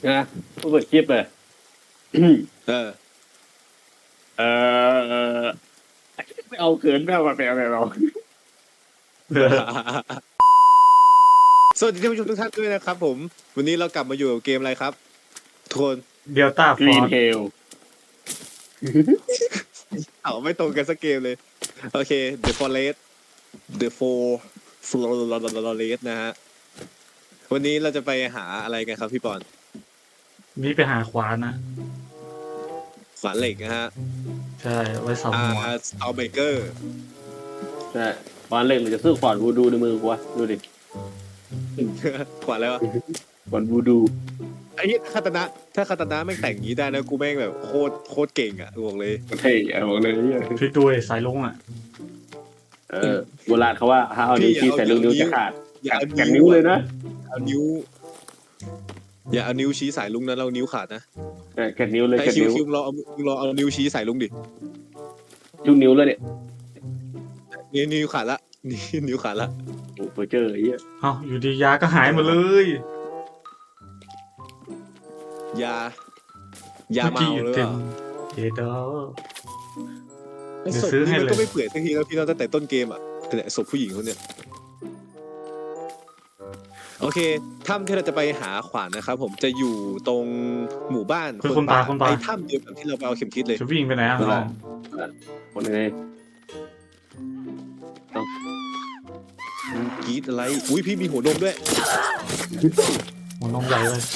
นะเปิดคลิปเลยเออเออไม่เอาเขินไม่เอาไปเอาสวัสดีท่านผู้ชมทุกท่านด้วยนะครับผมวันนี้เรากลับมาอยู่กับเกมอะไรครับทุกคนเดลต้าฟกรีอน ร์เทลเอาไม่ตรงกันสักเกมเลยโอเค The Forest The Forest นะฮะวันนี้เราจะไปหาอะไรกันครับพี่ปอนนี่ไปหาขวานนะขวานเหล็กนะฮะใช่ไว้สับหัว Starbreaker ใช่ฟอนเล่นมันจะซื้อฟอนวูดูในมือกูวะดูดิขวานอะไรวะฟอนวูดูไอ้เหี้ยถ้าคาตานะแม่งแต่งอย่างนี้ได้นะกูแม่งแบบโคตรเก่งอ่ะบอกเลยเท่บอกเลยเนี่ยพลิกด้วยสายลุงอ่ะโบราณเขาว่าถ้าเอานิ้วชี้ใส่ลูกนิ้วจะขาดอย่าเอากัดนิ้วเลยนะเอานิ้วอย่าเอานิ้วชี้สายลุงนะเรานิ้วขาดนะกัดนิ้วเลยไอ้กัดคิวนิ้วคิวเราเอานิ้วชี้สายลุงดิลูกนิ้วเลยเนี่ยนิ้วขาดละนิ้วขาดละโอ้โหเจอไอ้เหี้ยเอ้าอยู่ดียาก็หายหมดเลยยาเมาอยู่หรือเปเต็มล่าเอเดอไอ้เดี๋ยวศพซื้อให้นี่มันเลยก็ไม่เปื่อยสักทีแล้วพี่เราตั้งแต่ต้นเกมอ่ะแต่ศพผู้หญิงคนเนี้ยโอเคถ้ำที่เราจะไปหาขวานนะครับผมจะอยู่ตรงหมู่บ้านคนตายไอ้ถ้ำเดียวกับที่เราไปเอาเข็มทิศเลยจะวิ่งไปไหนอ่ะน้องคนไงกรีดอะไรอุ้ยพี่มีหัวนมด้วยหัวนมใหญ่เลย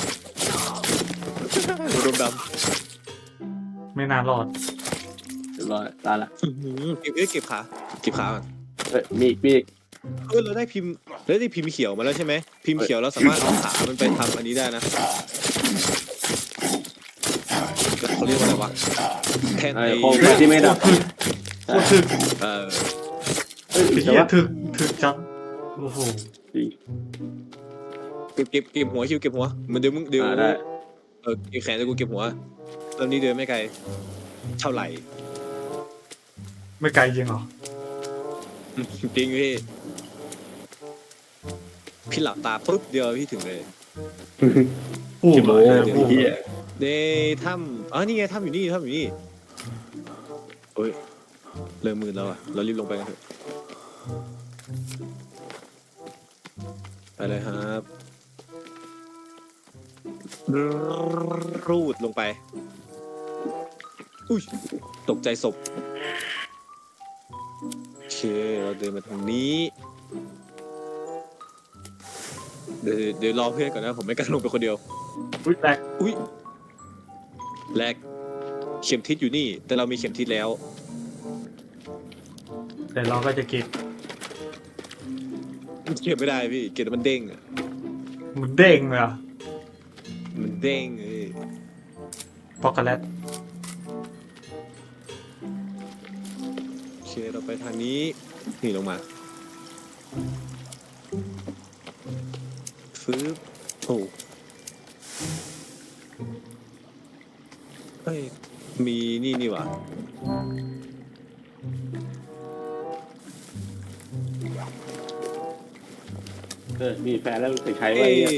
หัวนมดไม่น่ารอดเรียบร้อยตายละำเก็บขาก่อนมีอีกเราได้พิมพ์เขียวมาแล้วใช่ไหมพิมพ์เขียวเราสามารถเอาขามันไปทำอันนี้ได้นะเขาเรียกว่าอะไรวะแทนไอ้ไอ้โคมไฟที่ไม่ดับโคตรถึกเออไอ้เหี้ยถึกจังโอ้โหเก็บหัวคิวเก็บหัวมันเดี๋ยวได้เก็บแขนแล้วกูเก็บหัวตอนนี้เดินไม่ไกลเท่าไหร่ไม่ไกลจริงเหรอจริงพี่หลับตาปุ๊บเดียวพี่ถึงเลยอู้คิดเลโม้ยเหี้ยในถ้ำนี่ไงถ้ำอยู่นี่โอ้ยเริ่มมืดแล้วอ่ะเรารีบลงไปกันเถอะไปเลยครับรูดลงไปอุ้ยตกใจศพโอเคเราเดินมาทางนี้เดี๋ยวรอเพื่อนก่อนนะผมไม่กล้าลงไปคนเดียวอุ้ยแตกอุ้ยแรกเข็มทิศอยู่นี่ แต่เรามีเข็มทิศแล้วแต่เราก็จะเก็บเก็บไม่ได้พี่เก็บแล้วมันเด้งอะมันเด้งเลยอ่ะมันเด้งช็อกโกแลตโอเคเราไปทางนี้นี่ลงมาฟื้บโอ้เฮ้ยมีนี่หว่ามีแฟนแล้วไปใช้เอ้ไว้ย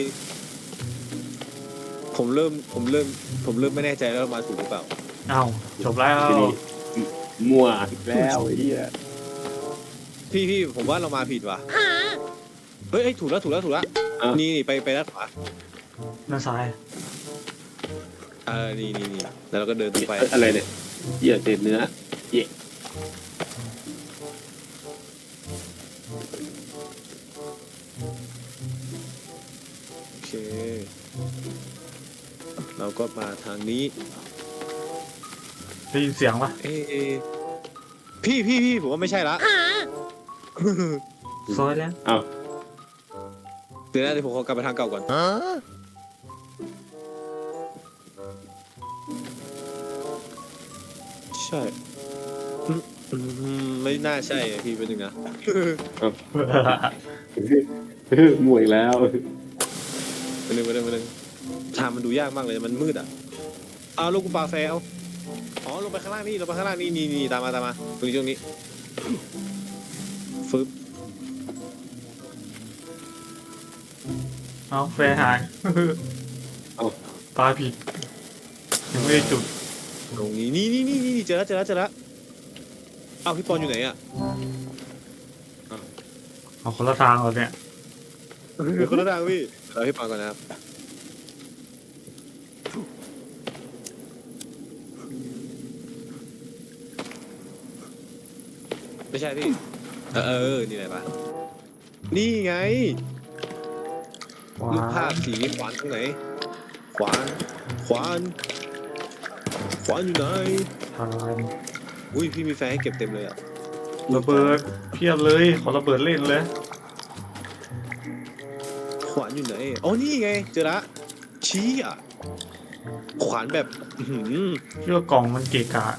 ผมเริ่มไม่แน่ใจแล้วมาถูกหรือเปล่าเอ้าจบแล้วทีนี้มั่วอีกแล้วไอ้เหี้ยพี่ผมว่าเรามาผิดว่ะเฮ้ยถูกแล้วนี่ไปด้านขวาด้านซ้ายนี่แล้วเราก็เดินตรงไปอะไรเนี่ยเหี้ยเศษเนื้อเหี้ยโอเค เราก็มาทางนี้ได้ยินเสียงปะพี่ผมว่าไม่ใช่ละซอยแล้วเอาเดี๋ยวผมขอกลับไปทางเก่าก่อนใช่ไม่น่าใช่อะพี่เป็นหนึ่งนะมั่วอีกแล้วเป็นหนึ่งทางมันดูยากมากเลยมันมืดอ่ะเอาลูกกูปลาแฟเอาอ๋อลงไปข้างล่างนี่ตามมาตรงนี้ฟึบเอาแฟร์หายเอาไปปลาผิดยังไม่ได้จุดตรงนี้นี่เจอแล้วเอาพี่ปอนอยู่ไหนอ่ะเอาคนละทางเหรอเนี่ยเดี๋ยวคนละทางพี่เราพี่ปอนก่อนนะครับไม่ใช่พี่นี่ไหนปะนี่ไงว้ารูปภาพสีขวานตรงไหนขวานอยู่ไหนทางอุ้ยพี่มีแฟร์ให้เก็บเต็มเลยอ่ะระเบิดเพียบเลยขอระเบิดเล่นเลยขวานอยู่ไหนอ๋อนี่ไงเจอละชี้อ่ะขวานแบบอื้อหือพี่ว่ากล่องมันเกะกะ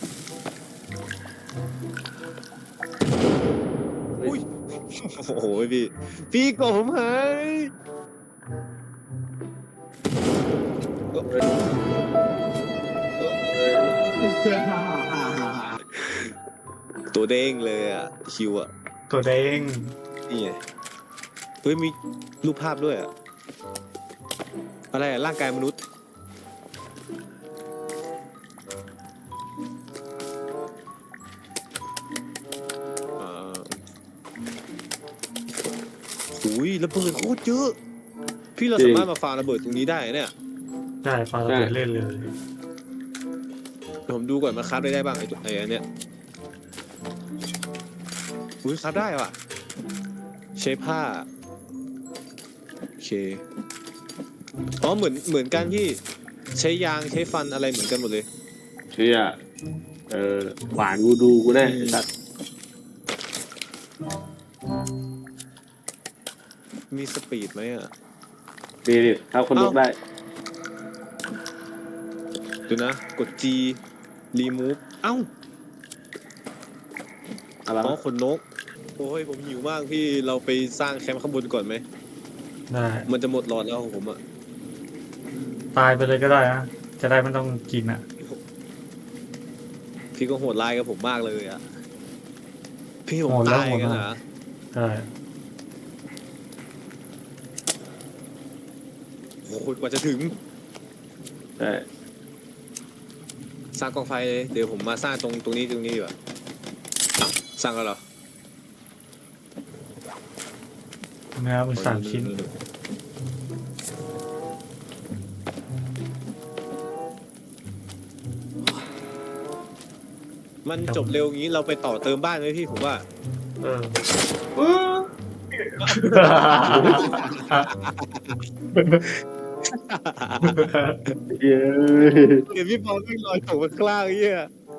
อุ้ยโอ้โหพี่กบผมหายตัวเด้งเลยอ่ะคิวอ่ะตัวแดงนี่ไงเฮ้ยมีรูปภาพด้วยอ่ะอะไรอ่ะร่างกายมนุษย์หุยระเบิดโคตรเยอะพี่เราสามารถมาฟาร์มระเบิดตรงนี้ได้เนี่ยได้ปลาระเบิดเล่นเลยผมดูก่อนมันคราฟได้บ้างไอ้ตัวไอ้อันเนี้ยอุ้ยคราฟได้ว่ะใช้ผ้าโอเคอ๋อเหมือนกันที่ใช้ยางใช้ฟันอะไรเหมือนกันหมดเลยเชื่อหวานกูดูกูได้ไอ้สัตว์มีสปีดไหมอ่ะดีดิถ้าคนลุกได้เดี๋ยวนะกด G remove เอ้าอะไรอ๋อวะขนนกโอ้ยผมหิวมากพี่เราไปสร้างแคมป์ข้างบนก่อนไหมได้มันจะหมดหลอดแล้วของผมอ่ะตายไปเลยก็ได้นะจะได้ไม่ต้องกินอ่ะพี่ก็โหดร้ายกับผมมากเลยอ่ะพี่ผมโหดแล้วตายกันโหดนะมาก ได้โอ้โหกว่าจะถึงใช่สร้างกองไฟเลยเดี๋ยวผมมาสร้างตรงนี้ดีกว่าอ้าวสร้างแล้วเหรอเนื้อเป็น3 ชิ้นมันจบเร็วงี้เราไปต่อเติมบ้านไหมพี่ผมว่าเออเย้ยเดี๋ยวพี่บอลไม่ลอยตกมาข้างล่างไอ้เหี้ย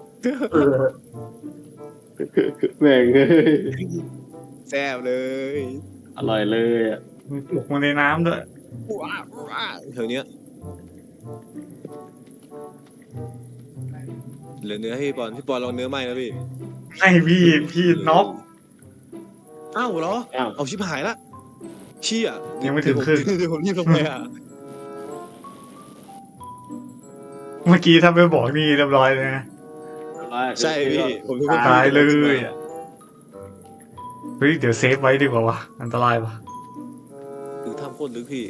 แม่งเอ้ยแซ่บเลยอร่อยเลยอ่ะมีปลุกมาในน้ำด้วยว้าวว้าวแถวเนี้ยเหลือเนื้อให้พี่บอลลองเนื้อไหมนะพี่ให้พี่น็อกอ้าวเหรออ้าวเอาชิบหายละเชี่ยยังไม่ถึงครึ่งเดี๋ยวผมรีบลงไปอ่ะเมื่อกี้ถ้าไม่บอกนี่เรียบร้อยเลยนะใช่พี่ผมทุกคนตายเลยอะ เฮ้ยเดี๋ยวเซฟไว้ดีกว่าวะอันตรายปะคือทำโคตรลึกพี่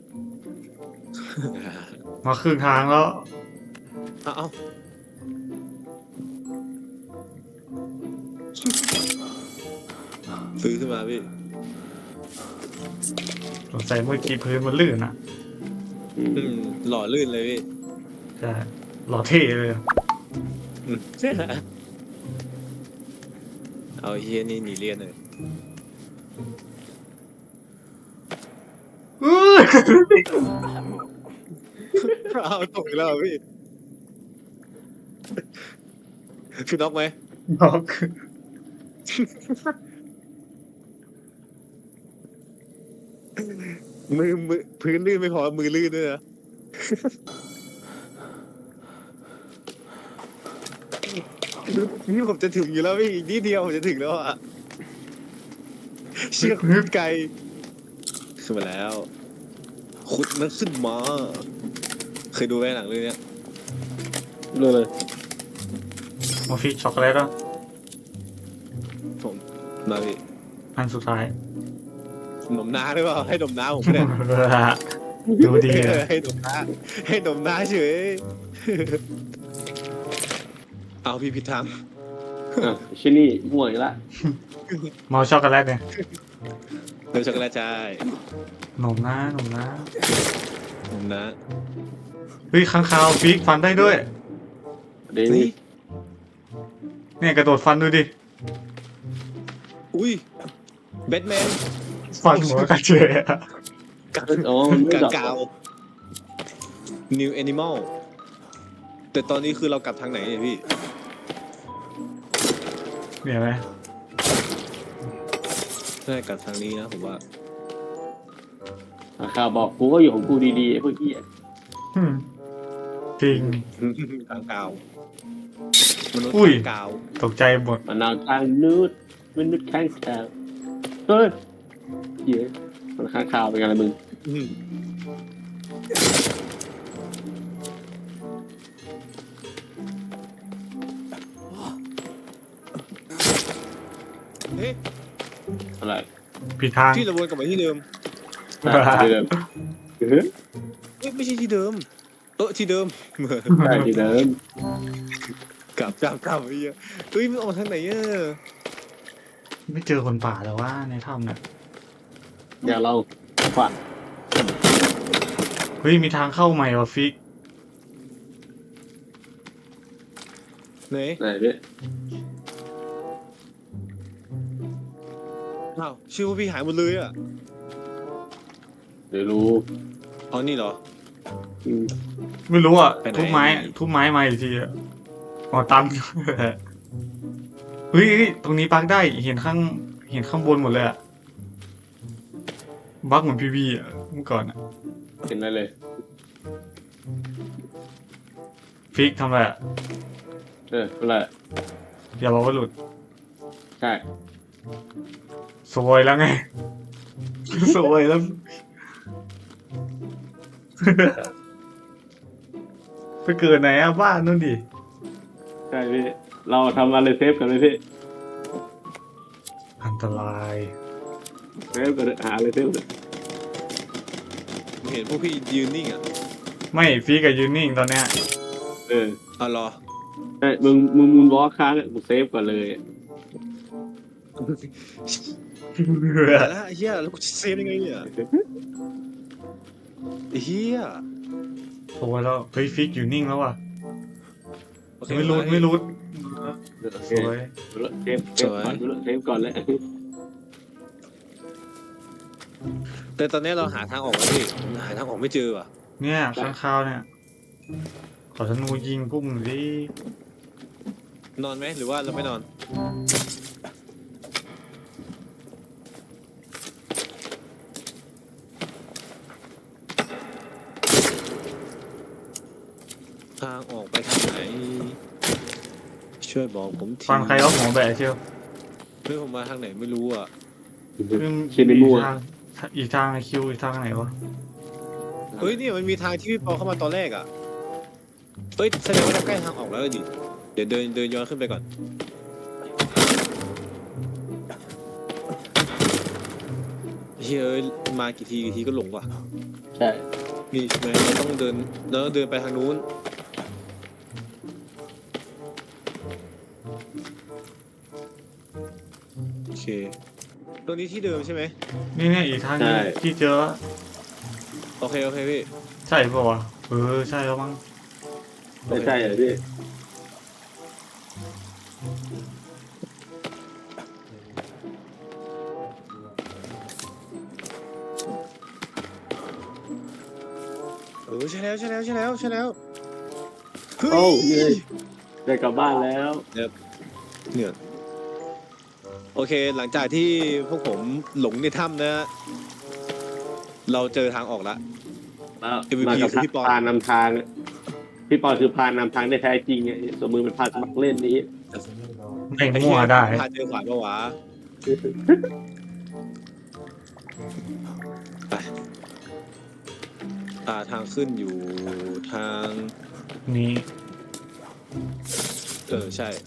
มาครึ่งทางแล้วเอา ซื้อขึ้นมาพี่สงสัยเมื่อกี้พื้นมันลื่นอ่ะหล่อลื่นเลยพี่ใช่หล่อเท่เลยอะเอาเฮียนี่หนีเรียนเลยอื้อเอาตกอีกแล้วเหรอพี่พี่น็อกไหมน็อกมือพื้นลื่นไม่พอมือลื่นด้วยนะนี่ผมจะถึงอยู่แล้วพี่อีกนิดเดียวผมจะถึงแล้วอ่ะเชือกพื้นไกลขึ้นมาแล้วขุดมันขึ้นมาเคยดูไหมหนังเรื่องเนี้ยรู้เลยมาฟิกช็อกโกแลตอ่ะผมมาพี่อันสุดท้ายหนมน้าหรือเปล่าให้หนมน้าผมก็ได้ดูดีอะให้ดมหน้าให้ดมหน้าเฉย เอาพี่ผิดทางอ่ะชินี่มั่วอีกละเมาช็อกโกแลตเนี่ยเดี๋ยวช็อกโกแลตใช่หนมนะหนมนะผมนะเฮ้ยข้างคาวฟิกฟันได้ด้วยเดี๋ยวนี่นี้เนี่ยกระโดดฟันดูดิอุ้ยแบทแมนฟันหัวกันเฉยอะอ๋อมันไม่กาดอกกาว New Animal แต่ตอนนี้คือเรากลับทางไหนเนี่ยพี่เนี่ยไหมน่าจะกลับทางนี้นะผมว่าข่าวบอกกูก็อยู่ของกูดีๆไอ้พวกเหี้ยอืมจริงกางกาวมนุษย์อุ้ยกางกาวตกใจหมดมันนาวทางนูดมันนุดข้างแถวเฮ้ยเหี้ยมันข้างข่าวเป็นไงล่ะมึงอืมเฮ้ยอะไรผิดทางที่เราวนกลับมาที่เดิมที่เดิมเฮ้ยเอ้ยไม่ใช่ที่เดิม ที่เดิมใช่ที่เดิมกลับไอ้เหี้ยเฮ้ยมันออกทางไหนอ่ะไม่เจอคนป่าแล้วว่าในถ้ำเนี่ยเดี๋ยวเราขวานเฮ้ยมีทางเข้าใหม่ว่ะฟิกไหนไหนพี่อ้าวชื่อว่าพี่หายหมดเลยอ่ะเดี๋ยวรู้อ๋อนี่เหรออืมไม่รู้อ่ะไปไหนทุบไม้มาอีกทีอ่ะอ๋อตัน เฮ้ยตรงนี้ปักได้เห็นข้างบนหมดเลยอ่ะบักเหมือนพีวีอ่ะเมื่อก่อนอ่ะเห็นได้เลยฟิกทำอะไรอ่ะอะไรอย่าบอกว่าหลุดใช่สวยแล้วไง สวยแล้ว ไปเกิดไหนอ่ะบ้านนู่นดิใช่พี่เราทำอะไรเซฟกันเลยพี่อันตรายเซฟกันเลยหาอะไรเซฟกันผมเห็นพวกพี่ยืนนิ่งอ่ะไม่ฟิกกับยูนิ่งตอนเนี้ยเอาเหรอใช่มึงมูนวอล์คค้างกูเซฟก่อนเลยแต่ละไอ้เหี้ยแล้วกูจะเซฟยังไงเนี่ยไอ้เหี้ยโอ้ยแล้วเฮ้ยฟิกอยู่นิ่งแล้วว่ะโอเคไม่รู้โอเคสวยเซฟก่อนเซฟก่อนเลยแต่ตอนนี้เราหาทางออกแล้วพี่หาทางออกไม่เจอว่ะเนี่ยข้างคาวเนี่ย ขอธนูยิงพวกมึงดินอนไหมหรือว่าเราไม่นอนทางออกไปทางไหน ช่วยบอกผมทีฟังใครเอาหัวแบะเชียวเฮ้ยผมมาทางไหนไม่รู้อ่ะชินในมั่วอีกทางไอคิวอีกทางไหนวะเฮ้ยเนี่ยมันมีทางที่พี่ปอเข้ามาตอนแรกอ่ะเฮ้ยแสดงว่าเราใกล้ทางออกแล้วดิเดี๋ยวเดินย้อนขึ้นไปก่อนเฮ้ยเอ้ยมากี่ทีก็หลงว่ะใช่นี่ใช่ไหมเราต้องเดินไปทางนู้นโอเคตัวนี้ที่เดิมใช่ไหมนี่เนี่ยอีกทางนี้ที่เจอโอเคพี่ใช่ป่าวะใช่แล้วมั้งไม่ใช่เหรอพี่ใช่แล้วเฮ้โอ้ยยได้กลับบ้านแล้วเนี่ยโอเคหลังจากที่พวกผมหลงในถ้ำนะฮะเราเจอทางออกแล้วมากับพานำทางพี่ปอคือพานำทางได้แท้จริงไงสมมือเป็นพานสมัครเล่นนี้ไม่มั่วได้พาเจอขวานปะวะไปทางขึ้นอยู่ทางนี่ใช่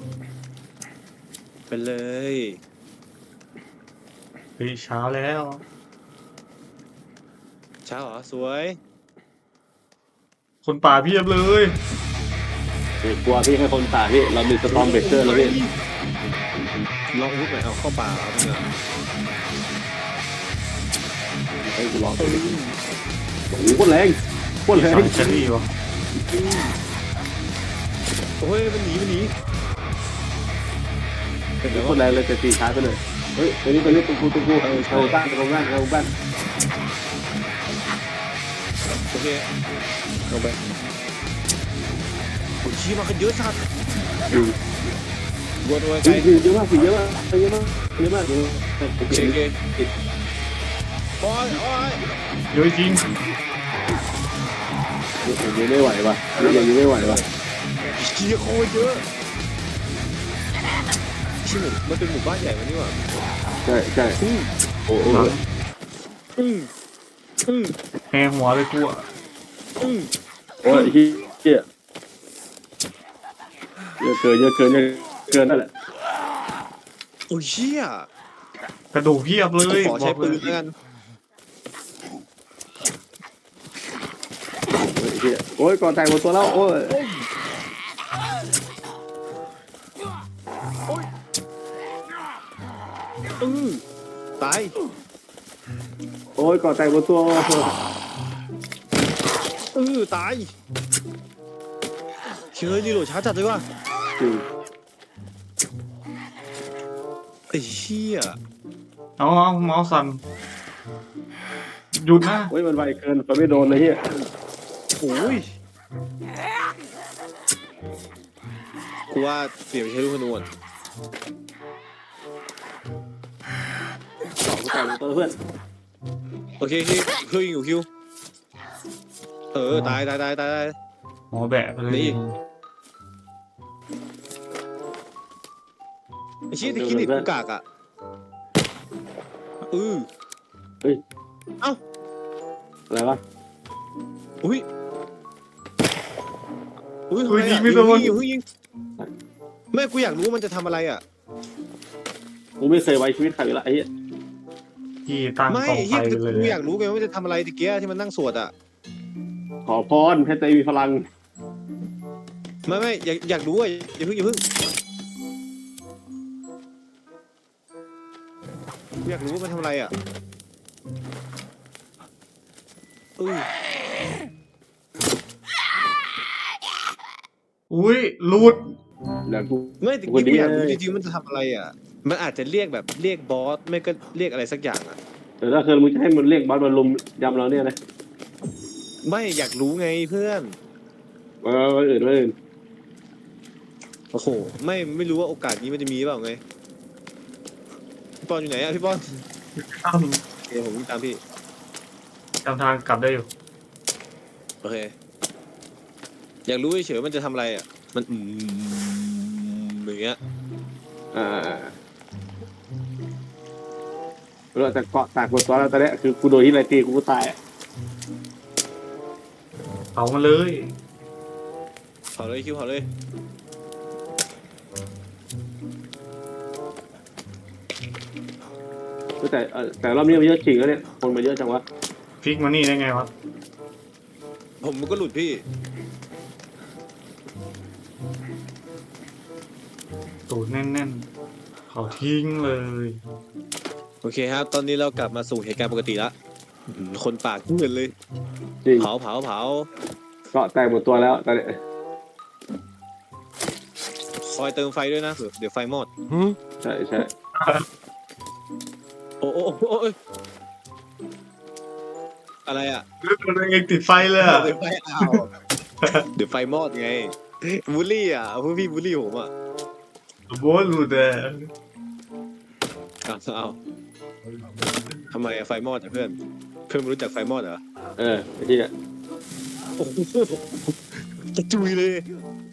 ไปเลยเฮ้ยเช้าแล้วช้าเหรอสวยคนป่าเพียบเลยกลัวพี่ให้คนป่าพี่เรามีสตอมเบรกเกอร์แล้วพี่ลองวุ้นหน่อยเอาเข้าป่าเอาเถอะให้กูลองโอ้โหโคตรแรงโคตรแรงสายเชอรี่วะโอ้ยมันหนีเป็นไงโคตวะรแรงเลยแต่ตีช้าไปหน่อยเฮ้ยตัวนี้ตุ้กูเอาบ้านเอาบ้านโอเคลงไปโอ้ยชี้มากันเยอะสัตว์วนไว้ไกลเยอะมากเยอะมากเยอะมากเยอะมากโอเคโอ้ยเยอะจริงยังไม่ไหวว่ะยังไม่ไหวว่ะชี้โคตรเยอะชี้หมู่มันเป็นหมู่บ้านใหญ่มันนี่หว่าใช่โอ้โหแหงหัวเลยกูอะโอ้ยเหี้ยเยอะเกินนั่นแหละโอ้ยเชี่ยกระดูกเพียบเลยขอใช้ปืนแล้วกันโอ้ยก่อนแต่งหมดตัวแล้วโอ้ยตายโอ้ยก่อนแต่งหมดตัวตายเชื่อรีโหลดช้าจัดเลยว่ะไอ้เชี่ยเอาเมาส์สั่นหยุดนะโอ้ยมันไวเกินมันไม่โดนเลยเฮียโอ้ยกูว่าเปลี่ยนไปใช้ลูกธนูก่อนแต่งหมดตัวเพื่อนโอเคคิวอยู่คิวตายหมอแบะไปเลยนี่ ไอ้เชี่ยตะกี้นี่กูกากอ่ะเอ้าอะไรวะอุ้ยยิงไม่โดนยิงแม่กูอยากรู้ว่ามันจะทำอะไรอ่ะกูไม่เคยไว้ชีวิตใครละไอ้เหี้ยที่ตั้งไม่กองเฮีไฟยเลยกูอยากรู้ไงว่ามันจะทำอะไรตะเกียที่มันนั่งสวดอ่ะขอพรให้ใจมีพลังไม่อยากรู้อ่ะอย่าเพิ่งกูอยากรู้ว่ามันทำอะไรอ่ะอุ้ยรูดแล้วกูไม่ตะกี้กูอยากรู้จริงๆมันจะทำอะไรอ่ะ มันอาจจะเรียกแบบเรียกบอสไม่ก็เรียกอะไรสักอย่างอ่ะแต่ถ้าเกิดมึงจะให้มันเรียกบอสมาลุมยำเราเนี่ยนะไม่อยากรู้ไงเพื่อนวันอื่นโอ้โหไม่รู้ว่าโอกาสนี้มันจะมีเปล่าไงพี่ปอนอยู่ไหนอ่ะพี่ปอนตั้มโอเคผมวิ่งตามพี่จำทางกลับได้อยู่โอเคอยากรู้เฉยๆมันจะทำอะไรอ่ะมันอย่างเงี้ยเราจะเกาะตากบนตัวแล้วตอนนี้คือกูโดนที่ไรตีกูก็ตายเผามาเลยเผาเลยคิวเผาเลยแต่รอบนี้มันเยอะจริงแล้วเนี่ยคนมาเยอะจังวะพลิกมานี่ได้ไงวะผมก็หลุดพี่ตูดแน่นๆเผาทิ้งเลยโอเคครับ ตอนนี้เรากลับมาสู่เหตุการณ์ปกติละคนปากเงินเลยจริงเผาเกาะแตกหมดตัวแล้วตอนนี้คอยเติมไฟด้วยนะเดี๋ยวไฟมอดใช่โอ้อะไรอ่ะตัวเองติดไฟเลยอะเดี๋ยวไฟเดี๋ยวไฟมอดไงบูลลี่อ่ะพวกพี่บูลลี่ผมอ่ะโบ้หลุดเลยเอาทำไมไฟมอดอ่ะเพื่อนไม่รู้จักไฟมอดเหรอไอ้ที่เนี่ยโอ้โหจะจุยเลย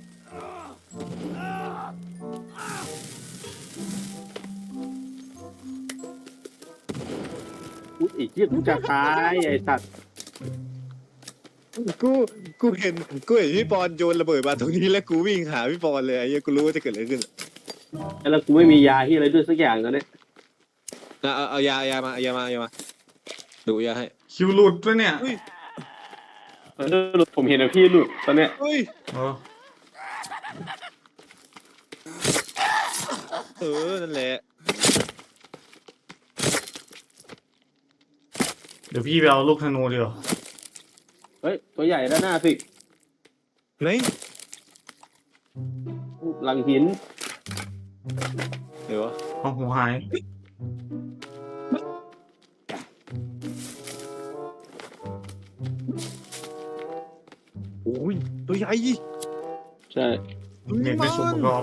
อีกที่กูจะตายไอ้สัตว์กูเห็นพี่ปอนโยนระเบิดมาตรงนี้แล้วกูวิ่งหาพี่ปอนเลยไอ้เหี้ยกูรู้ว่าจะเกิดอะไรขึ้นแล้วกูไม่มียาที่อะไรด้วยสักอย่างตอนนี้เอายามาดูยาให้ชคิวหลุดด้วยเนี่ยเฮ้ยผมเห็นนะพี่หลุดตอนเนี้ยเฮ้ยเออนั่นแหละเดี๋ยวพี่ไปเอาลูกธนูดีกว่าเฮ้ยตัวใหญ่ด้านหน้าสิไหนหลังหินเดี๋ยววะเอาหัวหายโอ้ยตัวใหญ่ใช่เน็ตไม่สมประกอบ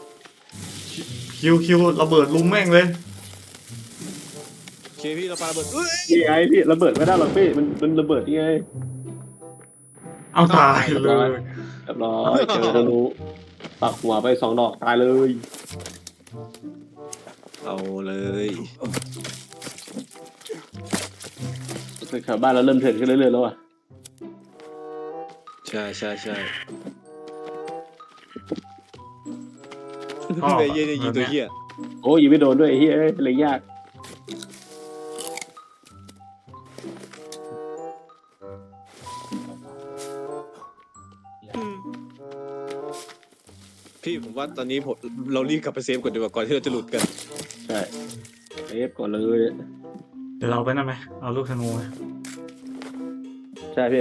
คิวระเบิดลุมแม่งเลยโอเคพี่เราปาระเบิดเอ้ยนี่ไงพี่ระเบิดไม่ได้หรอกพี่มันระเบิดยังไงเอาตายเลยเรียบร้อยเจอธนูปักหัวไป2 ดอกตายเลยเอาเลยแถวบ้านเราเริ่มเถื่อนขึ้นเรื่อยๆแล้วอ่ะใช่อ๋อเบย์เย่เนี่ยยิงตัวเหี้ยโอ้ยยิงไม่โดนด้วยไอ้เฮ้ยเลยยากพี่ผมว่าตอนนี้เรารีบกลับไปเซฟก่อนดีกว่าก่อนที่เราจะหลุดกันใช่เซฟก่อนเลยเดี๋ยวเราไปนั่นไหมเอาลูกธนูไหมใช่พี่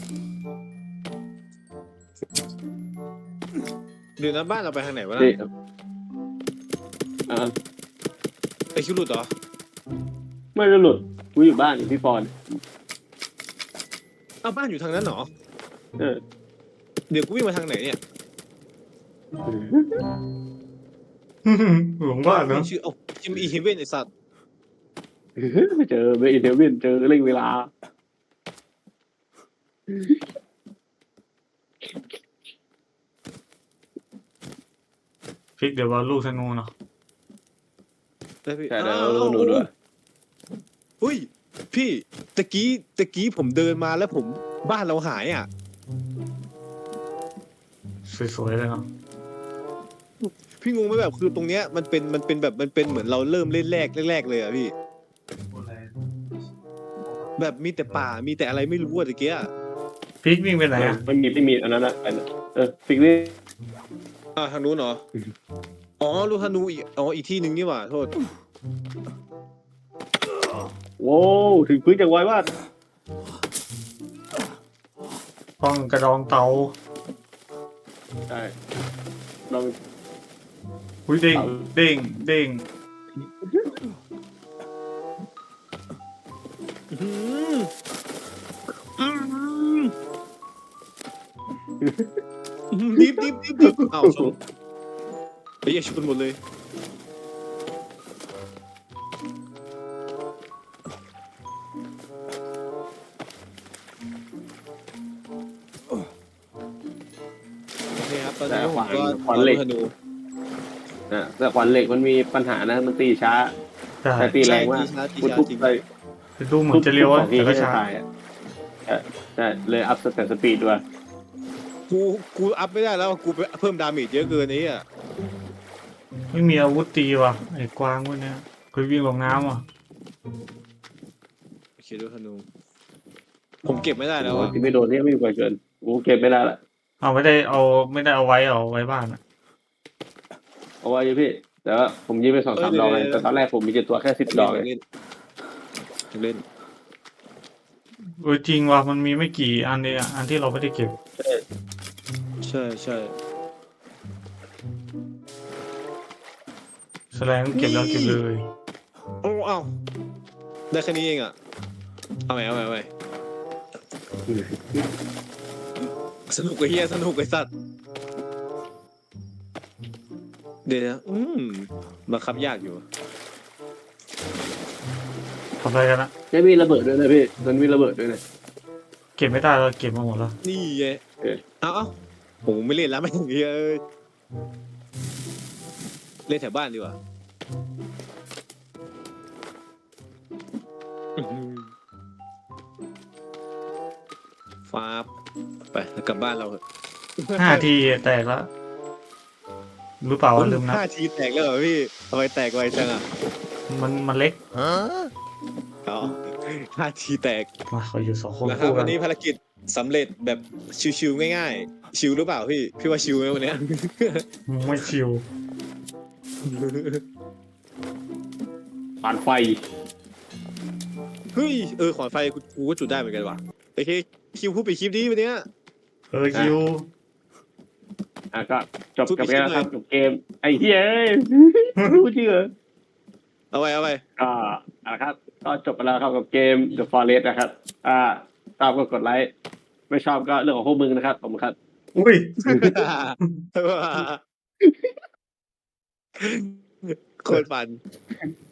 เดี๋ยวนะบ้านเราไปทางไหนวะนี่นะอ่าไอคิวหลุดเหรอไม่ได้หลุดกูอยู่บ้านอยู่พี่ฟอนอ้าวบ้านอยู่ทางนั้นเหรอเออเดี๋ยวกูวิ่งมาทางไหนเนี่ยหลงบ้านเนอะชื่อเอ้าจิมอีเฮเว่นไอสัตว์ไม่เจอเบย์เดวินเจอเร่งเวลาพลิกเดี๋ยวเอาลูกธนูเนาะได้พี่ใช่เดี๋ยวเราดูด้วยเฮ้ยพี่ตะกี้ผมเดินมาแล้วผมบ้านเราหายอ่ะสวยๆเลยเนาะพี่งงไหมแบบคือตรงเนี้ยมันเป็นแบบมันเป็นเหมือนเราเริ่มเล่นแรกเลยอ่ะพี่ แบบมีแต่ป่ามีแต่อะไรไม่รู้อะตะเกียพลิกวิ่งไปไหนอะไม่มีอันนั้นอะฟิกนี่ทางนู้นเหรออ๋อลูกธนูอีกอีกที่หนึ่งนี่หว่าโทษโว้วถึงพื้นอย่างไวมากห้องกระดองเตาใช่ลองอุ้ยเด้งเด้งเด้งอื้อหือดิบอ้าวชนไอ้เหี้ยชนหมดเลยโอเคครับตอนนี้ผมก็ขวานเหล็กธนูนะแต่ขวัญเหล็กมันมีปัญหานะมันตีช้าใช่แต่ตีแรงมากตีกูช้าทุบจริงไปดูเหมือนจะเร็วอะทุบแต่ก็จะช้าตายอ่ะใช่เลยอัพแต่สปีดด้วยกูอัพไม่ได้แล้วกูไปเพิ่มดาเมจเยอะเกินไอ้เหี้ยไม่มีอาวุธตีว่ะไอ้กวางพวกเนี้ยเคยวิ่งลงน้ำว่ะโอเคดูธนูผมเก็บไม่ได้แล้วอ่ะที่ไม่โดนเนี่ยไม่มีกว่าเกินกูเก็บไม่ได้ละเอาไม่ได้เอาไว้เอาไว้บ้านอะเอาไว้พี่แต่ว่าผมยิงไป2-3 ดอกเลยแต่ตอนแรกผมมีตัวแค่10 ดอกเลยเล่นเออจริงว่ะมันมีไม่กี่อันเองอะอันที่เราไม่ได้เก็บใช่แสดงเก็บแล้วเก็บเลยโอ้เอ้าได้แค่นี้เองอ่ะเอาใหม่สนุกไอ้เหี้ยสนุกไอ้สัตว์เดี๋ยวนะบังคับยากอยู่ทำอะไรกันอะจะมีระเบิดด้วยนะพี่มันมีระเบิดด้วยนะเก็บไม่ได้เราเก็บมาหมดแล้วนี่ไงเอาผมไม่เล่นแล้วไม่ถึงเหี้ยเอ้ยเล่นแถวบ้านดีกว่าฟ้าบไปแล้วกลับบ้านเราเถอะ 5 ทีแตกแล้วรู้เปล่าว่าลืมนะ 5 ทีแตกแล้วเหรอพี่ทำไมแตกไวจังอ่ะมันเล็กอ๋อ 5 ทีแตกมาเขาอยู่2 คนนะครับคู่กัวัน นนี้ภารกิจสำเร็จแบบชิวๆง่ายๆชิวหรือเปล่าพี่ว่าชิวไหมวันเนี้ยไม่ชิวผ่านไฟเฮ้ยขอนไฟกูก็จุดได้เหมือนกันว่ะโอเคคิวพูดไปคลิปนี้วันเนี้ยชิวก็จบกับเกมนะครับกับเกมไอ้เหี้ยรู้จริงเหรอเอาไว้ก็นะครับก็จบไปแล้วครับกับเกม The Forest นะครับชอบก็กดไลค์ไม่ชอบก็เรื่องของพวกมึงนะครับผมครับอุ้ยโคตรฟัน